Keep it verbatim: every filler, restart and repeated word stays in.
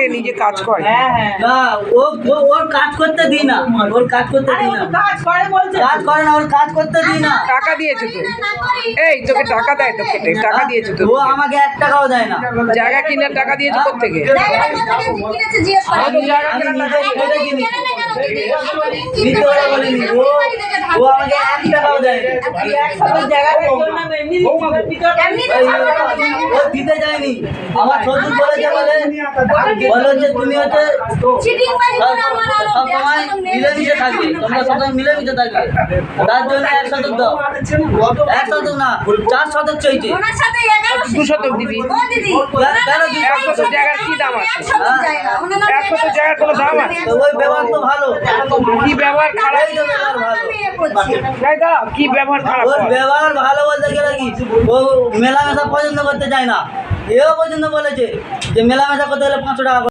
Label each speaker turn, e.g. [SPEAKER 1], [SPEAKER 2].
[SPEAKER 1] নিজে কাজ করে।
[SPEAKER 2] না ও ও- ওর কাজ করতে দিই না, ওর কাজ করতে দিই না,
[SPEAKER 3] কাজ করে বলছে
[SPEAKER 2] কাজ করে না, ওর কাজ করতে দিই না।
[SPEAKER 1] টাকা দিয়েছে তো, এই তোকে টাকা দেয় তো, কেটে টাকা দিয়েছে তো,
[SPEAKER 2] ও আমাকে এক টাকাও দেয় না।
[SPEAKER 1] জায়গা কিনার টাকা দিয়েছে কোত্থেকে?
[SPEAKER 2] আমি জায়গা কিনে নিজে কেটে কিনি, নিতে ওরা বলিনি। ও ও আমাকে এক টাকাও দেয় না।
[SPEAKER 3] একসাথে জায়গা দেখলাম না, এমনি
[SPEAKER 2] ও দিতে যায়নি, আমার শ্বশুর বলেছে বলে বলে হচ্ছে তুমি হচ্ছে সব সময় মিলেমিশে থাকবে, তোমরা সবসময় মিলেমিশে থাকবে, তার জন্য এক শতক দাও। এক শতক না, চার শতক চাইছে।
[SPEAKER 1] দু শতক দিবি?
[SPEAKER 2] কেন দিবি?
[SPEAKER 1] এক শতক জায়গার কি দাম আছে? এক শতক জায়গার কোনো দাম আছে?
[SPEAKER 2] তো ওই ব্যবহার তো ভালো,
[SPEAKER 1] কি ব্যবহার খারাপ?
[SPEAKER 2] এই তো ব্যবহার ভালো।
[SPEAKER 1] তাই তো, কি ব্যবহার খারাপ?
[SPEAKER 2] ওর
[SPEAKER 1] বল।
[SPEAKER 2] ব্যবহার ভালো বলতে গেলে কি, ও মেলামেশা পছন্দ করতে চায় না। এও পর্যন্ত বলেছে যে মেলামেশা করতে হলে পাঁচশো টাকা